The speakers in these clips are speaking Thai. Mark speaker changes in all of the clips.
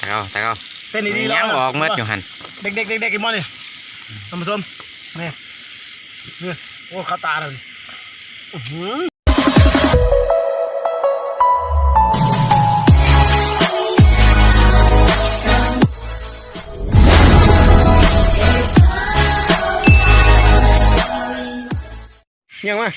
Speaker 1: ตา
Speaker 2: เต้นดีๆ
Speaker 1: แล้วออกเมื่ออยู่หัน
Speaker 2: เด็กกินมอนี่ท่านผู้ชมนี่โอ้ข้าตาเลยยังมา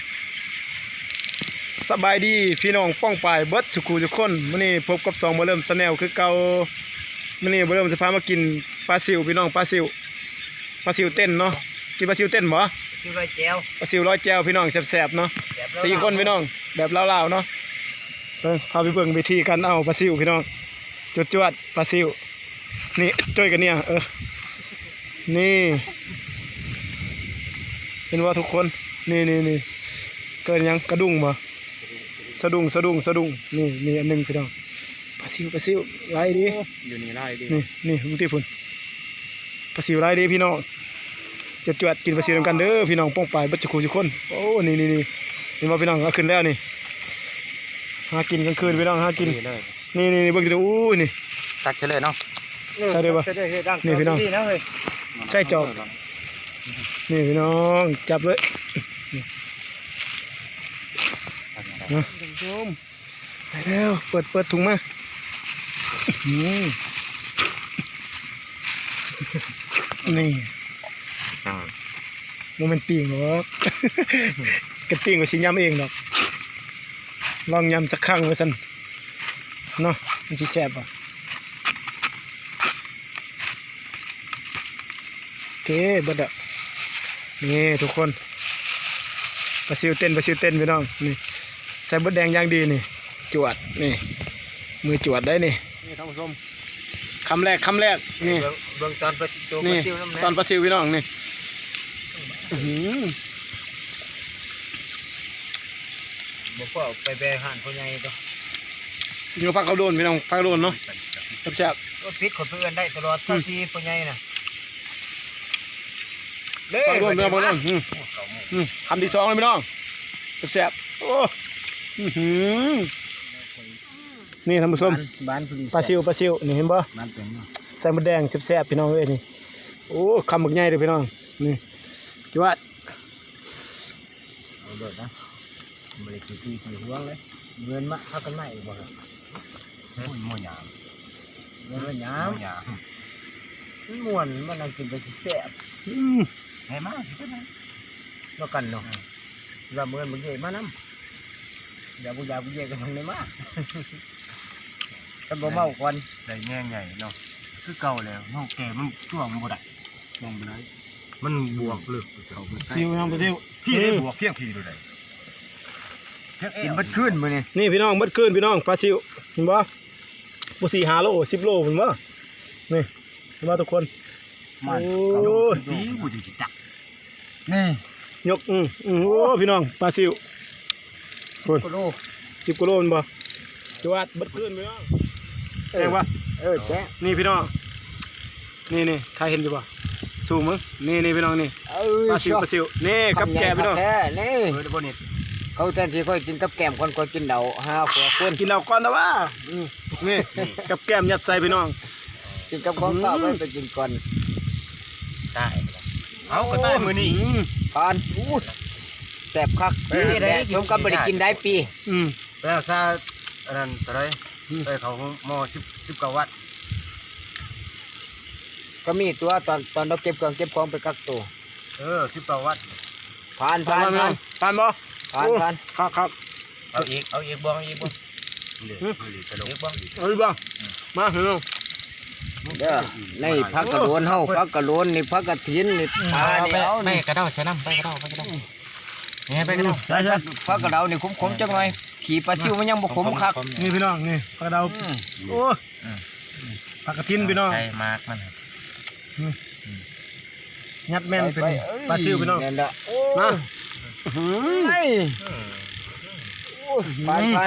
Speaker 2: สบายดีพี่น้องป้องปายเบิร์ดสุขุทุกคนมื้อนี้พบกับ2บ่เริ่มสแนลคือเก่ามื้อนี้บ่เริ่มสิพามากินปลาซิวพี่น้องปลาซิวเต้นเนาะกินปลาซิวเต้นบ่
Speaker 3: ซิวร้อยแจว
Speaker 2: ปลาซิวร้อยแจวพี่น้องแซ่บๆเนาะ4คนพี่น้องแบบลาวๆเนาะพาไปเบิ่งวิธีการเอาปลาซิวพี่น้องจวดๆปลาซิวนี่จ้อยกันเนี่ยนี่เห็นว่าทุกคนนี่เกิดยังกระดุงบ่สะดุ้งนี่อันนึงพี่น้องปลาซิวไล่ดี
Speaker 1: อยู่นี่ไล่ดี
Speaker 2: นี่มึงที่พุ่นปลาซิวไล่ดีพี่น้องจวดกินปลาซิวกันเด้อพี่น้องป้องปลายบัดจุกทุกคนโอ้นี่นี่มาพี่น้องเอาขึ้นแล้วนี่หากินกลางคืนพี่น้องหากินนี่เบิ่งดูอู้นี่
Speaker 1: ตักเฉลยเนาะ
Speaker 2: ใช่ได้บ่นี่พี่น้องใส่จอบนี่พี่น้องจับเลยนะไปแล้วเปิดถุงมานี่โมเมนต์ปิ้งหรอกกระปิ้งก็สิยำเองดอกลองยำสักครั้งว่าซั่นเนาะมันสิแซ่บอ่ะโอเคเบิดอ่ะนี่ทุกคนปลาซิวเต้นพี่น้องนี่ใส่บดแดงอย่างดีนี่จวดนี่มือจวดได้นี่ท่านผู้ชมคำแรกนี่
Speaker 3: เบื้องตอนปลาซิวน้ำ
Speaker 2: ตอนปลาซิวพี่น้องนี่
Speaker 3: บอกว่าไปแบกหันพ่อใหญ่ตัว
Speaker 2: ยิงฟักเขาโดนพี่น้องฟักโดนเนาะแซ่บ
Speaker 3: รถพิษขนเพื่อนได้ตลอดซีพ่อใหญ่น่ะ
Speaker 2: ฟักโดนพี่น้องคำที่2เลยพี่น้องแซ่บโอ้นี่ท่านผู้ชมปลาซิวนี่เห็นบ่ใส่มะแดงแซ่บพี่น้องเอ้ยนี่โอ้คำหมึกใหญ่เลยพี่น้องนี่จวด
Speaker 3: เอาเบิดนะบริกิจห่วงเลยเงินมาพักกันใหม่บ่ครับม่วนยามมันม่วนมันนั่งกินไปแซ่บให้มาสิกันนะแล้วกันเนาะแล้วเมื่อมึงเย่มาน้ำอย่าบุญเย่กันตรงนี้มากันบ่เมาก่อน
Speaker 1: ได้แง่ใหญ่เนาะคือเก่าแล้วเนาะแก่มันช่วงบ่ได้ลงไปได้มันบวกลึก
Speaker 2: ซิวน้ำปลาซิว
Speaker 1: พี่ได้บวกเพียงพี่ดูได้
Speaker 3: กินบัดขึ้นมื้อนี้
Speaker 2: นี่พี่น้องบัดขึ้นพี่น้องปลาซิวเห็นบ่บ่4-5 โล10 โลเห็นบ่นี่เห็นบ่ทุกคน
Speaker 1: มันดีกูจะจับ
Speaker 3: นี่
Speaker 2: ยกโอ้พี่น้องปลาซิว
Speaker 3: 10 กิโล
Speaker 2: 10 กิโลมันบ่จวดบัดขึ้นพี่น้องแจ้งบ่
Speaker 3: แจ้ง
Speaker 2: นี่พี่น้องนี่ถ้าเห็นอยู่บ่สู้มึงนี่พี่น้องนี่ปลาซิวนี่กับแกพี่น้อง
Speaker 3: นี่
Speaker 1: บ่นี่
Speaker 3: เขาแทนที่ค่อยกินกับแกมคนค่อยกินเดา5 ขวบคน
Speaker 2: กินเดาก่อนนะว่านี่กับแกมยัดใส่พี่น้อง
Speaker 3: กินกับของข้าวไว้ไปกินก่อน
Speaker 1: ได้เอาก็ได้มื้อนี้
Speaker 3: ผ่านแซ่บคักนี่ได้ชมกับบ่ได้กินได้ปี
Speaker 1: แล้วซาอันนั้นเท่าไหร่ได้เขาหม้อ19 วัตต์
Speaker 3: ก็มีตัวตอนเราเก็บของไปกักตัว
Speaker 1: 19 วัตต์
Speaker 3: ผ่านบ่
Speaker 2: ผ่านครับ
Speaker 3: เอาอีกบ้อง
Speaker 1: อีกบ้
Speaker 2: งมาเถอะ
Speaker 3: ในพักกระโดนเฮาพักกระโดนนี่พักกระถินนี่ปลานี่เอา
Speaker 1: ไปกระเดาใส่น้ำไปกระเดานี่ไปกระเดา
Speaker 3: ใช่พักกระเดานี่ขมจังหน่อยขี่ปลาซิวมันยังบ่ขมคัก
Speaker 2: นี่พี่น้องนี่พักกระเดาโอ้พักกระถินพี่น้อง
Speaker 1: ใช่มากมัน
Speaker 2: ยัดแม่นเป็นปลาซิวพี่น้องมา
Speaker 3: ผ่าน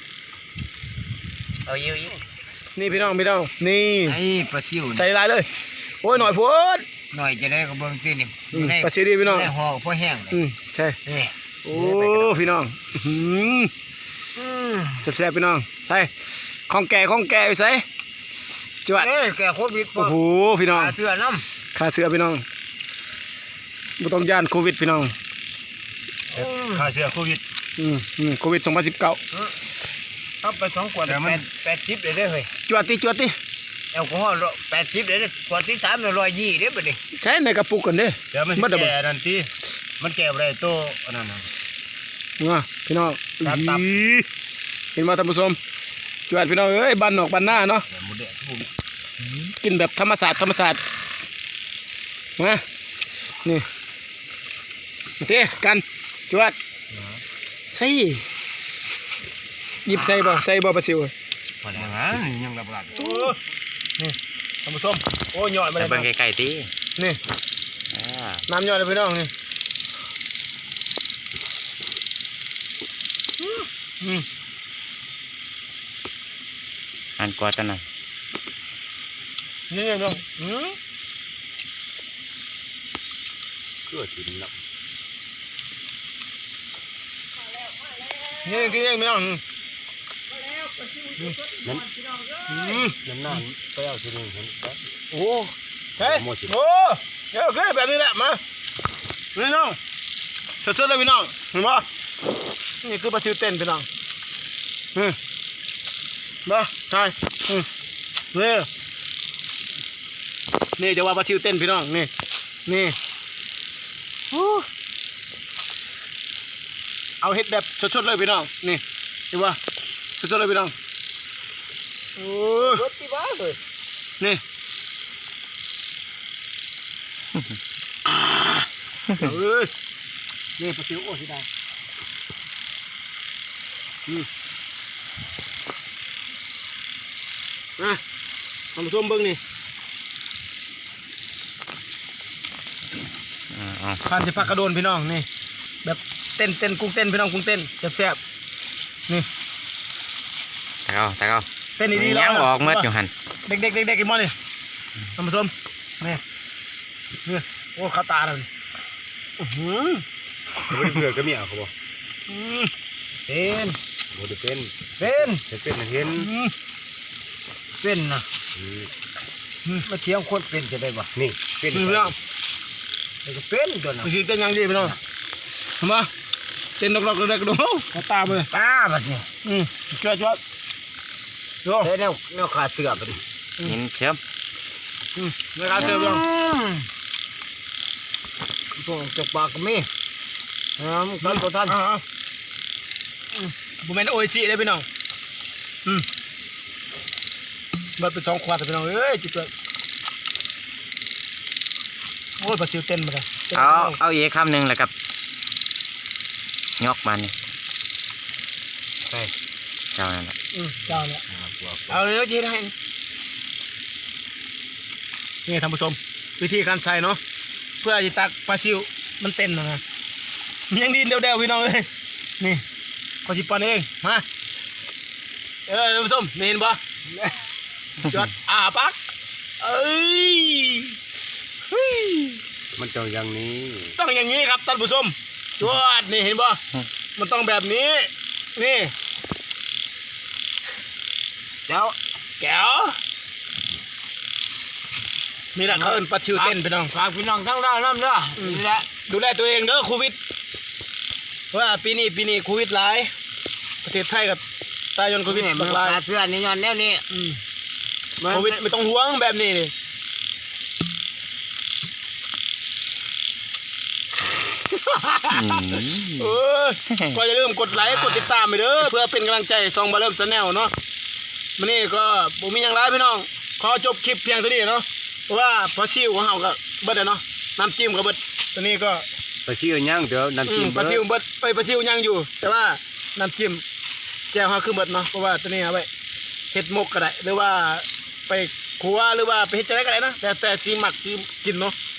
Speaker 1: เอาเยอะ
Speaker 2: นี่พี่น้องนี่
Speaker 3: ไอ้ปลาซิว
Speaker 2: ใส่ลายเลยโอ้ยหน่อยพูด
Speaker 3: หน่อยจะได้ก็เบิ่งตีนี่
Speaker 2: ปลาซิวดีพี่น้อง
Speaker 3: ได้ห่อพอแห้ง
Speaker 2: ใช่โอ้พี่น้องแซ่บพี่น้องใส่ของแก่ไปใส่จวด
Speaker 3: แก่โควิด
Speaker 2: โอ้โหพี่น้อง
Speaker 3: เสื้อน้
Speaker 2: ขาเสือพี่น้องบ่ต้องย่านโควิดพี่น้อง
Speaker 1: ค่าเชื้อโควิด
Speaker 2: โควิด2019
Speaker 3: ำเอาไป2 ขวด80เลยเฮ้ย
Speaker 2: จวดติ
Speaker 3: แอลกอฮอล์80เลยขวดที่3 120เด้อบัดนี้
Speaker 2: ใช้ในกระปุกกันเด้
Speaker 1: เดี๋ยวมันสิแก่นั่นติมันแก่บ่ได้โตอันนั้นน่ะ
Speaker 2: พี่น้อง
Speaker 3: ครับตับ
Speaker 2: อีเห็นมาท่านผู้ชมจวดพี่น้องเอ้ยบ้านนอกบ้านหน้าเนาะ
Speaker 1: หมูแดงโควิด
Speaker 2: กินแบบธรรมศาสตร์มานี่มาเทกันจวดใส่หยิบใส่บ่ปลาซิว
Speaker 1: พอแล้วนะนี่ยังระบาด
Speaker 2: นี่ท่านผู้ชมโอ้ยอดมา
Speaker 4: แต่
Speaker 2: เลย
Speaker 4: เบิ่งไกลๆติ
Speaker 2: นี่
Speaker 4: อ่า
Speaker 2: น้ำยอดเลยพี่น้องนี่อืม
Speaker 4: อันกว่าตอนนั้น
Speaker 2: นี่พี่น้อง
Speaker 1: ก็กินแล้ว
Speaker 2: นี่พี่น้อง
Speaker 1: น้ำหน้าไปเอาทีนึงเห็นปะ
Speaker 2: โอ้เฮ้ยโอ้เดี๋ยวคือแบบนี้แหละมาพี่น้องสดๆเลยพี่น้องเห็นปะนี่คือปลาซิวเต้นพี่น้องมาใช่นี่จะว่าปลาซิวเต้นพี่น้องนี่เอาเห็ดแบบสดๆเลยพี่น้องนี่เห็นปะสดๆเลยพี่น้องโอ้
Speaker 3: รถที่บ้าเลย
Speaker 2: นี่นี่ปลาซิวโอ้สิได้ทำส้มเบิ้งนี่
Speaker 4: อ๋อ
Speaker 2: พันสิพักกระโดนพี่น้องนี่แบบเต้นกุ้งเต้นพี่น้องกุ้งเต้นแซ่บๆนี่
Speaker 4: ตะเกา
Speaker 2: เต้นดีๆ
Speaker 4: ยังออกเมื่ออยู่หัน
Speaker 2: เด็กอีกมั้งนี่ทำส้มนี่โอ้ข้าวตาเลย
Speaker 1: บ่ได้เผื่อก็มีอ่ะเขาบอก
Speaker 3: เป็น
Speaker 1: บ่ได้เป็น
Speaker 3: เป็น
Speaker 1: เป็นเห็น
Speaker 3: เป็นนะมาเที่ยงคนเป็นจะได้บ่
Speaker 1: นี่เป็น
Speaker 2: พี่น้อง
Speaker 3: มันก็เป็นตัวน่ะ
Speaker 2: ไม่ใช่เต้นยังดีพี่น้องทำไมเต้นดอกๆเด็กๆดูข้าวตาไป
Speaker 3: ตาบัดนี้
Speaker 2: จ้วดู
Speaker 3: แต่แนวขาเสื้อบัดนี้
Speaker 4: ยินเชื่อม
Speaker 2: ในการเสิร์ฟยัง
Speaker 3: ตัวจากปากก็มีกันบ่ทัน
Speaker 2: บุเมนโออิชิได้พี่น้องเบิดเป็น2 ขวดแต่พี่น้องเอ้ยจุดโอ้ยปลาซิวเต้นมาเลย
Speaker 4: เอาอีกคำหนึ่งแล้วกับยกมันนี่
Speaker 3: ไป
Speaker 4: เจ้านั่นแหละ
Speaker 2: เจ้าเนี่ยเอาเนื้อจีได้นี่ท่านผู้ชมวิธีการใส่เนาะเพื่อจะตักปลาซิวมันเต้นนะยังดีเดียวๆพี่น้องเลยนี่ขอสิปันเองมาท่านผู้ชมนี่เห็นปะจอดปักเอ้ย
Speaker 1: มันต้องอย่างนี้
Speaker 2: ต้องอย่างนี้ครับท่านผู้ชมจวดนี่เห็นปะมันต้องแบบนี้นี่
Speaker 3: แล้ว
Speaker 2: แก้วนี่แหละเขาเอิ้นปลาชิวเต้นพี่น้อง
Speaker 3: ฝากพี่น้องทั้งด้านน้ำเด้อนี่แหละ
Speaker 2: ดูแลตัวเองเด้อโควิดเพราะว่าปีนี้โควิดหลายประเทศไทยกับตายจนโควิด
Speaker 3: นี่มัน
Speaker 2: หลาย
Speaker 3: ขาเสื้อนี่ย้อนแนวนี้
Speaker 2: โควิดไม่ต้องห่วงแบบนี้นี่ เออก็อย่าลืมกดไลค์กดติดตามไปเด้อเพื่อเป็นกำลังใจซองบาเริ่มชาแนลเนาะมื้อนี้ก็บ่มีหยังหลายพี่น้องขอจบคลิปเพียงเท่านี้เนาะเพราะว่าพอซิวของเฮาก็เบิดแล้วเนาะน้ำจิ้มก็เบิดตัวนี้ก็
Speaker 1: ไปซื้อย่างเดี๋ยวน้ำจิ้ม
Speaker 2: ปลาซิวเบิดไปปลาซิวยังอยู่ แต่ว่าน้ำจิ้มแจ่วเฮาคือเบิดเนาะเพราะว่าตัวนี้เอาไว้เฮ็ดหมกก็ได้หรือว่าไปครัวหรือว่าไปเฮ็ดจังได๋ก็ได้นะแต่สิมักสิกินเนาะ